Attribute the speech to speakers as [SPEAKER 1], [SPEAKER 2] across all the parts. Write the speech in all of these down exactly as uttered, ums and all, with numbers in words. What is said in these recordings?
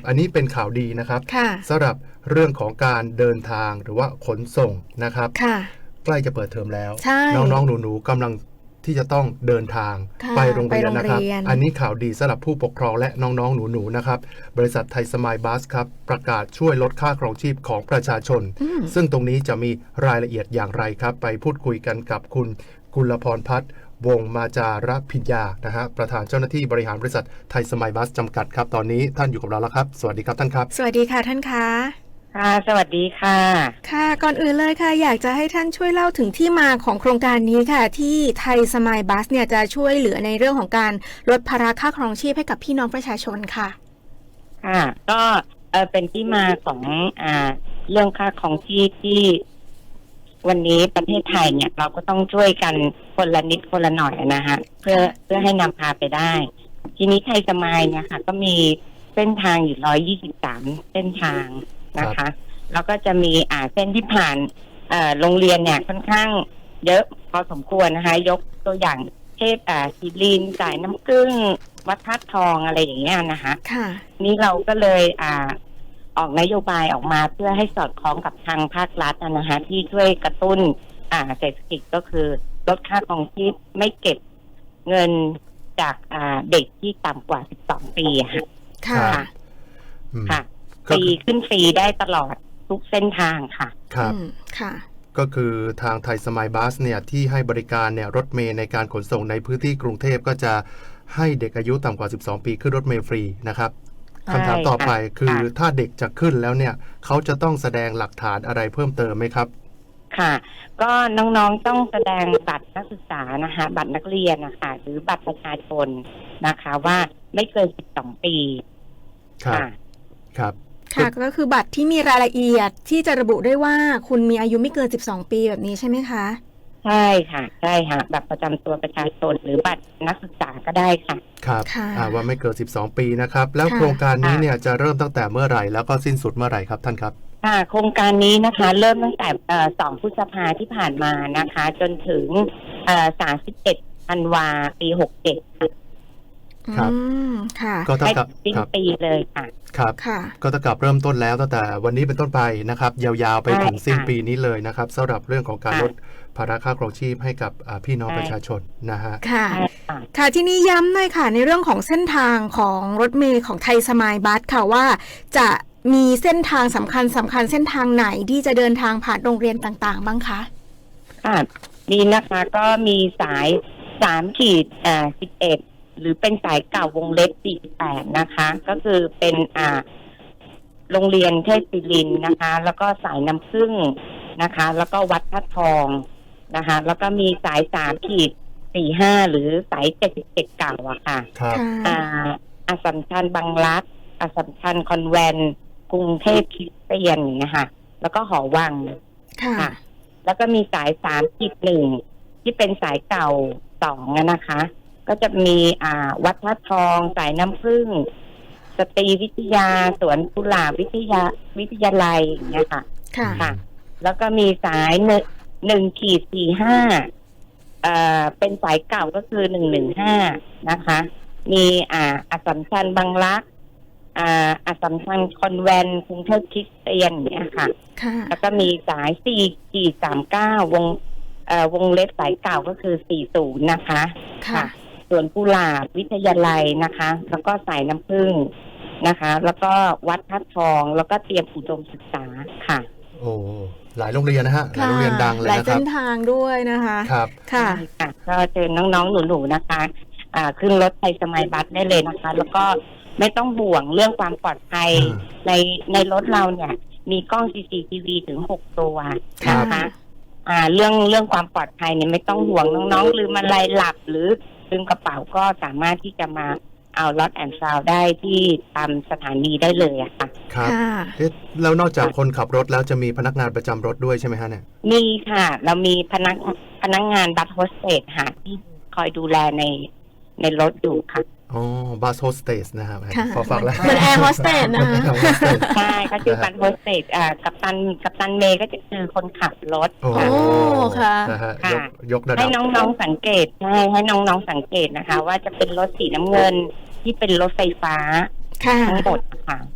[SPEAKER 1] อันนี้เป็นข่าวดีนะครับสำหรับเรื่องของการเดินทางหรือว่าขนส่งนะครับใกล้จะเปิดเทอมแล้วน้องๆหนูๆกำลังที่จะต้องเดินทางไปโรงเรียนนะครับอันนี้ข่าวดีสำหรับผู้ปกครองและน้องๆหนูๆนะครับบริษัทไทยสมายบัสครับประกาศช่วยลดค่าครองชีพของประชาชนซึ่งตรงนี้จะมีรายละเอียดอย่างไรครับไปพูดคุยกันกับคุณกุลพรพัฒน์วงมาจารพิญญานะฮะประธานเจ้าหน้าที่บริหารบริษัทไทยสมายบัสจำกัดครับตอนนี้ท่านอยู่กับเราแล้วครับสวัสดีครับท่านครับ
[SPEAKER 2] สวัสดีค่ะท่านคะ
[SPEAKER 3] ค่ะสวัสดีค่ะ
[SPEAKER 2] ค่ะก่อนอื่นเลยค่ะอยากจะให้ท่านช่วยเล่าถึงที่มาของโครงการนี้ค่ะที่ไทยสมายบัสเนี่ยจะช่วยเหลือในเรื่องของการลดภาระค่าครองชีพให้กับพี่น้องประชาชนค่ะ
[SPEAKER 3] ค่ะก็เออเป็นที่มาของอ่าเรื่องค่าครองชีพที่วันนี้ประเทศไทยเนี่ยเราก็ต้องช่วยกันคนละนิดคนละหน่อยนะฮะเพื่อเพื่อให้นำพาไปได้ทีนี้ไทยสมายเนี่ยค่ะก็มีเส้นทางอยู่หนึ่งร้อยยี่สิบสามเส้นทางนะคะแล้วก็จะมีอ่าเส้นที่ผ่านเอ่อโรงเรียนเนี่ยค่อนข้างเยอะพอสมควรนะคะยกตัวอย่างเช่นอ่าศิรินทร์สายน้ำผึ้งวัดธาตุทองอะไรอย่างเงี้ยนะคะค่ะนี่เราก็เลยอ่าออกนโยบายออกมาเพื่อให้สอดคล้องกับทางภาครัฐนะคะที่ช่วยกระตุ้นอ่าเศรษฐกิจก็คือลดค่าครองชีพไม่เก็บเงินจากอ่าเด็กที่ต่ำกว่าสิบสองปีค่ะค่ะค่ะฟรีขึ้นฟรีได้ตลอดทุกเส้นทางค่ะ
[SPEAKER 1] ครับค่ะก็คือทางไทยสมายบัสเนี่ยที่ให้บริการเนี่ยรถเมล์ในการขนส่งในพื้นที่กรุงเทพก็จะให้เด็กอายุต่ำกว่าสิบสองปีขึ้นรถเมล์ฟรีนะครับคำถามต่อไปคือถ้าเด็กจะขึ้นแล้วเนี่ยเขาจะต้องแสดงหลักฐานอะไรเพิ่มเติมไหมครับ
[SPEAKER 3] ค่ะก็น้องๆต้องแสดงบัตรนักศึกษานะคะบัตรนักเรียนนะคะหรือบัตรประชาชนนะคะว่าไม่เกินสิบสองปี
[SPEAKER 1] ค่ะครับ
[SPEAKER 2] ค่ะก็คือบัตรที่มีรายละเอียดที่จะระบุได้ว่าคุณมีอายุไม่เกินสิบสองปีแบบนี้ใช่ไหมคะ
[SPEAKER 3] ใช่ค่ะใช่ค่ะบัตรประจำตัวประชาชนหรือบัตรนักศึกษาก็ได้ค่ะ
[SPEAKER 1] ครับว่าไม่เกินสิบสองปีนะครับแล้วโครงการนี้เนี่ยจะเริ่มตั้งแต่เมื่อไหร่แล้วก็สิ้นสุดเมื่อไหร่ครับท่านครับ
[SPEAKER 3] ค่ะโครงการนี้นะคะเริ่มตั้งแต่สองพฤษภาที่ผ่านมานะคะจนถึงสามสิบเอ็ดธันวาปีหกเจ็ด
[SPEAKER 1] ครับ
[SPEAKER 2] ค่ะ
[SPEAKER 1] ก็เท่ากับ
[SPEAKER 3] สิ้นปีเลยค่ะ
[SPEAKER 1] ครับก็เท่ากับเริ่มต้นแล้วตั้งแต่วันนี้เป็นต้นไปนะครับยาวๆไปถึงสิ้นปีนี้เลยนะครับสำหรับเรื่องของการลดภาระค่าครองชีพให้กับพี่น้องประชาชนนะฮะ
[SPEAKER 2] ค่ะค่ะที่นี้ย้ำหน่อยค่ะในเรื่องของเส้นทางของรถเมล์ของไทยสมายบัสค่ะว่าจะมีเส้นทางสำคัญสำคัญเส้นทางไหนที่จะเดินทางผ่านโรงเรียนต่างๆบ้างคะ
[SPEAKER 3] ค่ะดีนะคะก็มีสายสามขีดอ่าสิบเอ็ดหรือเป็นสายเก่าวงเล็บสี่สิบแปดนะคะก็คือเป็นอ่าโรงเรียนเทพศิรินทร์นะคะแล้วก็สายน้ำผึ้งนะคะแล้วก็วัดพระทองนะคะแล้วก็มีสายสามขีดสี่ห้าหรือสายเจ็ดสิบเจ็ดเก่าอะค่ะอ่าอัสสัมชัญบางรักอัสสัมชัญคอนแวนต์กรุงเทพคริสเตียนอย่างเงี้ยค่ะแล้วก็หอวังค่ะแล้วก็มีสายสามขีดหนึ่งที่เป็นสายเก่าสองนะคะก็จะมีอ่าวัดพระทองสายน้ำผึ้งสตรีวิทยาสวนกุหลาบวิทยาวิทยาลัยอย่างเงี้ยค่ะค่ะแล้วก็มีสายหนึ่งหนึ่งขีดสี่ห้าเอ่อเป็นสายเก่าก็คือหนึ่งหนึ่งห้านะคะมีอ่าอัสสัมชัญบางรักอ่าอัสสัมชัญคอนแวนต์กรุงเทพคริสเตียนเนี่ยค่ะแล้วก็มีสายสี่ขีดสามเก้าวงเอ่อวงเล็บสายเก่าก็คือสี่สิบนะคะค่ะส่วนกุหลาบวิทยาลัยนะคะแล้วก็สายน้ำผึ้งนะคะแล้วก็วัดพระทองแล้วก็เตรียมอุดมศึกษาค่ะ
[SPEAKER 1] โอ้หลายโรงเรียนนะฮะหลายโรงเรียนดังเลยนะครับหลาย
[SPEAKER 2] เส้นทางด้วยนะคะ
[SPEAKER 1] ครับ
[SPEAKER 2] ค่ะ
[SPEAKER 3] ก็เชิญน้องๆหนูๆนะคะอ่าขึ้นรถไทยสมายบัสได้เลยนะคะแล้วก็ไม่ต้องห่วงเรื่องความปลอดภัยในในรถเราเนี่ยมีกล้อง ซี ซี ที วี ถึงหกตัวนะคะอ่าเรื่องเรื่องความปลอดภัยเนี่ยไม่ต้องห่วงน้องๆลืมอะไรหลับหรือลืมกระเป๋าก็สามารถที่จะมาเอาล็อตแอนด์ซาวได้ที่ตามสถานีได้เลยอะค่ะ
[SPEAKER 1] ครับแล้วนอกจากคนขับรถแล้วจะมีพนักงานประจำรถด้วยใช่ไหมฮะเนี่ย
[SPEAKER 3] มีค่ะเรามีพนักพนักงานบัสโฮสเตสค่ะที่คอยดูแลในในรถอยู่ค่ะ
[SPEAKER 1] อ๋อบัสโฮสเตสนะครับพอฟังแล้ว
[SPEAKER 2] เหมือนแอร์โฮสเตสนะ
[SPEAKER 3] ใช่ก็คือบัสโฮสเตสอ่ากัปตันกัปตันเมย์ก็จะคือคนขับรถ
[SPEAKER 2] โอ้ค่ะ
[SPEAKER 1] ยกระดับ
[SPEAKER 3] ให้น้องๆสังเกตใช่ให้น้องๆสังเกตนะคะว่าจะเป็นรถสีน้ำเงินที่เป็นรถไฟฟ้าทั้งหมดค่ะ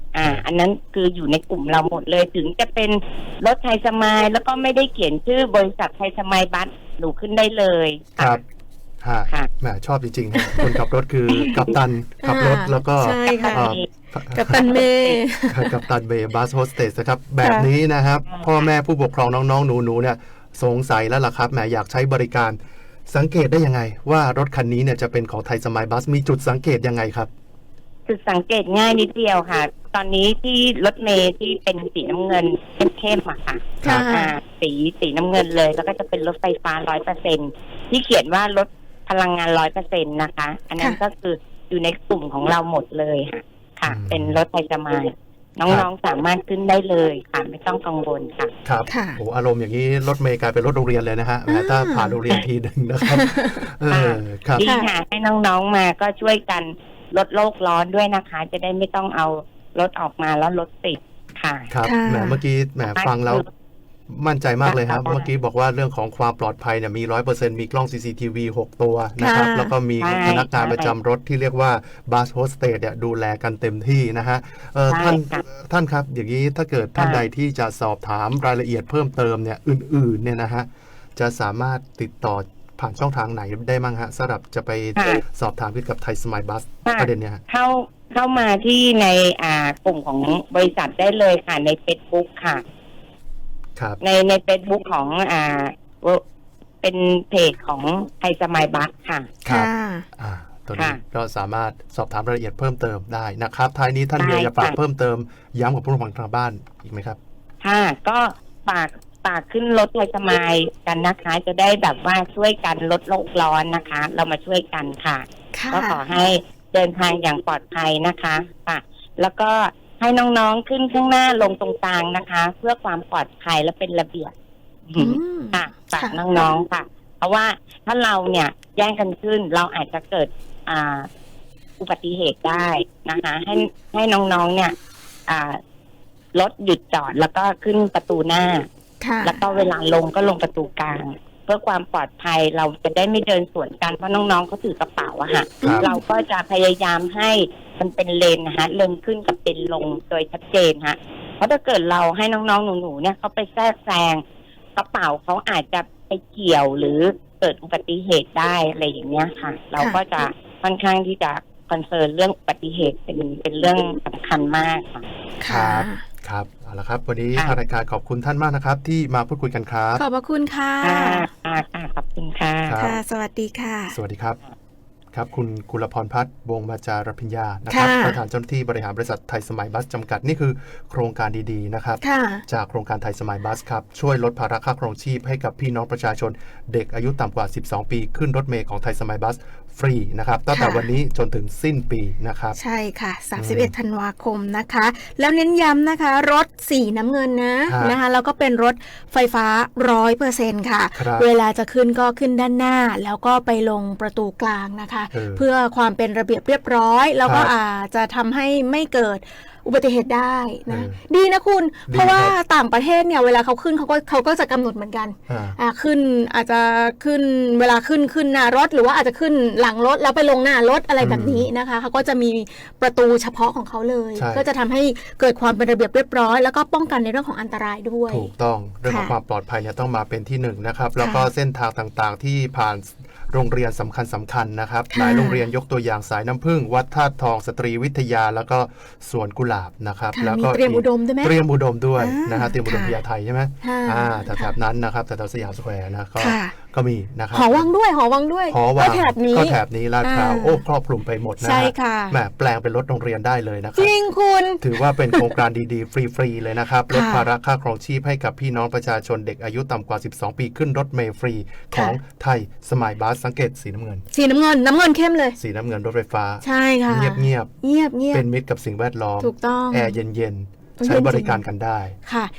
[SPEAKER 3] อ่า อันนั้นคืออยู่ในกลุ่มเราหมดเลยถึงจะเป็นรถไทยสมายแล้วก็ไม่ได้เขียนชื่อบริษัทไทยสมายบัสหนูขึ้นได้เลย
[SPEAKER 1] ครับค่ะแหมชอบจริงๆคนขับรถคือกัปตันขับรถแล้วก็
[SPEAKER 2] กัปตันเมย์
[SPEAKER 1] กัปตันเมย์บัสโฮสเตสนะครับแบบนี้นะครับพ่อแม่ผู้ปกครองน้องๆหนูๆเนี่ยสงสัยแล้วล่ะครับแหมอยากใช้บริการสังเกตได้ยังไงว่ารถคันนี้เนี่ยจะเป็นของไทยสมายบัสมีจุดสังเกตยังไงครับ
[SPEAKER 3] จุดสังเกตง่ายนิดเดียวค่ะตอนนี้ที่รถเมย์ที่เป็นสีน้ำเงินเข้มๆอะค่ะสีสีน้ำเงินเลยแล้วก็จะเป็นรถไฟฟ้าร้อยเปอร์เซ็นที่เขียนว่ารถพลังงานร้อยเปอร์เซ็นนะคะอันนั้นก็คืออยู่ในกลุ่มของเราหมดเลยค่ะค่ะเป็นรถไทยสมายน้องๆสามารถขึ้นได้เลยค่ะไม่ต้องกังวลค่ะ
[SPEAKER 1] ครับโอ้อารมณ์อย่างนี้รถเมย์กลายเป็นรถโรงเรียนเลยนะฮะถ้าผ่านโรงเรียนทีหนึ่งนะครับเออครับ
[SPEAKER 3] ดีค่ะให้น้องๆมาก็ช่วยกันลดโลกร้อนด้วยนะคะจะได้ไม่ต้องเอารถออกมาแล้วรถติดค่ะ
[SPEAKER 1] ครับแหมเมื่อกี้แหมฟังแล้วมั่นใจมากเลยครับเมื่อกี้บอกว่าเรื่องของความปลอดภัยเนี่ยมี ร้อยเปอร์เซ็นต์ มีกล้อง ซี ซี ที วี หก ตัวนะครับแล้วก็มีพนักงานประจำรถที่เรียกว่าบัสโฮสเตสเนี่ยดูแลกันเต็มที่นะฮะเออท่านท่านครับอย่างนี้ถ้าเกิดท่านใดที่จะสอบถามรายละเอียดเพิ่มเติมเนี่ยอื่นๆเนี่ยนะฮะจะสามารถติดต่อผ่านช่องทางไหนได้มั้งฮะสำหรับจะไปสอบถามเกี่ยวกับไทยสมายบัสประเด็นเนี้ย
[SPEAKER 3] เข้าเข้ามาที่ในอ่ากลุ่มของบริษัทได้เลยค่ะใน Facebook ค่ะในใน Facebook ของอ่าเป็นเพจของไทยสมายบัสค่ะ
[SPEAKER 1] ครับอ่าตัวนี้ก็สามารถสอบถามรายละเอียดเพิ่มเติมได้นะครับท้ายนี้ท่านมีอะไรฝากเพิ่มเติมย้ำกับผู้ฟังทางบ้านอีกไหมครับ
[SPEAKER 3] ค่ะก็ฝากฝากขึ้นรถไทยสมายกันนะคะจะได้แบบว่าช่วยกันลดโลกร้อนนะคะเรามาช่วยกันค่ะก็ขอให้เดินทางอย่างปลอดภัยนะคะค่ะแล้วก็ให้น้องๆขึ้นข้างหน้าลงตรงกลางนะคะเพื่อความปลอดภัยและเป็นระเบียบค่ะฝากน้องๆค่ะเพราะว่าถ้าเราเนี่ยแย่งกันขึ้นเราอาจจะเกิดอ่าอุบัติเหตุได้นะคะให้ให้น้องๆเนี่ยอ่ารถหยุดจอดแล้วก็ขึ้นประตูหน้าแล้วก็เวลาลงก็ลงประตูกลางเพื่อความปลอดภัยเราจะได้ไม่เดินสวนกันเพราะน้องๆเขาถือกระเป๋าอะค่ะเราก็จะพยายามให้มันเป็นเลนนะคะเลนขึ้นกับเป็นลงโดยชัดเจนฮะเพราะถ้าเกิดเราให้น้องๆหนูๆเนี่ยเขาไปแทรกแซงกระเป๋าเขาอาจจะไปเกี่ยวหรือเกิดอุบัติเหตุได้อะไรอย่างเงี้ยค่ะเราก็จะค่อนข้างที่จะคอนเซิร์นเรื่องอุบัติเหตุเป็นเป็นเรื่องสำคัญมากค่ะ
[SPEAKER 1] ครับครับเอาละครับวันนี้ทางรายการขอบคุณท่านมากนะครับที่มาพูดคุยกันครับ
[SPEAKER 2] ขอบพระคุณค่ะ
[SPEAKER 3] ค่ะขอบคุณค่ะ
[SPEAKER 2] ค่ะสวัสดีค่ะ
[SPEAKER 1] สวัสดีครับครับคุณกุลพรพัฒน์วงศ์มาจารพิญญานะครับประธานเจ้าหน้าที่บริหารบริษัทไทยสมายบัสจำกัดนี่คือโครงการดีๆนะครับจากโครงการไทยสมายบัสครับช่วยลดภาระค่าครองชีพให้กับพี่น้องประชาชนเด็กอายุต่ำกว่าสิบสองปีขึ้นรถเมล์ของไทยสมายบัสฟรีนะครับตั้งแต่วันนี้จนถึงสิ้นปีนะครับ
[SPEAKER 2] ใช่ค่ะสามสิบเอ็ดธันวาคมนะคะแล้วเน้นย้ำนะคะรถสีน้ำเงินนะนะคะแล้วก็เป็นรถไฟฟ้า ร้อยเปอร์เซ็นต์ ค่ะเวลาจะขึ้นก็ขึ้นด้านหน้าแล้วก็ไปลงประตูกลางนะคะเพื่อความเป็นระเบียบเรียบร้อยแล้วก็อาจจะทำให้ไม่เกิดอุบัติเหตุได้นะดีนะคุณเพราะว่าต่างประเทศเนี่ยเวลาเขาขึ้นเขาก็เขาก็จะกำหนดเหมือนกันอ่าขึ้นอาจจะขึ้นเวลาขึ้นขึ้นหน้ารถหรือว่าอาจจะขึ้นหลังรถแล้วไปลงหน้ารถอะไรแบบนี้นะคะเขาก็จะมีประตูเฉพาะของเขาเลยก็จะทำให้เกิดความเป็นระเบียบเรียบร้อยแล้วก็ป้องกันในเรื่องของอันตรายด้วย
[SPEAKER 1] ถูกต้องเรื่องของความปลอดภัยเนี่ยต้องมาเป็นที่หนึ่งนะครับแล้วก็เส้นทางต่างๆที่ผ่านโรงเรียนสำคัญสำคัญนะครับหลายโรงเรียนยกตัวอย่างสายน้ำผึ้งวัดธาตุทองสตรีวิทยาแล้วก็สวนกุหลาบนะครับ
[SPEAKER 2] แล้วก็เตรียมอุดมด้วยไหม
[SPEAKER 1] เตรียมอุดมด้วยนะฮะเตรียมอุดมพญาไทใช่ไหมอ่าแถบนั้นนะครับแถวสยามสแควร์นะก็ก็มีนะครับ
[SPEAKER 2] หอวังด้วยหอวังด้วย
[SPEAKER 1] หอวังก็แถบนี้ก็แถบนี้ลาดพร้าวโอ้ครอบคลุมไปหมดนะ
[SPEAKER 2] ใช่ค่ะ
[SPEAKER 1] แหมแปลงเป็นรถโรงเรียนได้เลยนะครับ
[SPEAKER 2] จริงคุณ
[SPEAKER 1] ถือว่าเป็นโครงการดีๆฟรีๆเลยนะครับลดภาระค่าครองชีพให้กับพี่น้องประชาชนเด็กอายุต่ำกว่าสิบสองปีขึ้นรถเมล์ฟรีของไทยสมายบัสสังเกตสีน้ำเงิน
[SPEAKER 2] สีน้ำเงินน้ำเงินเข้มเลย
[SPEAKER 1] สีน้ำเงินรถไฟฟ้า
[SPEAKER 2] ใช่ค่ะ
[SPEAKER 1] เงียบเงียบ
[SPEAKER 2] เงียบเงียบ
[SPEAKER 1] เป็นมิตรกับสิ่งแวดล้อม
[SPEAKER 2] ถูกต้อง
[SPEAKER 1] แอร์เย็นๆใช้บริการกันได้
[SPEAKER 2] ค่ะ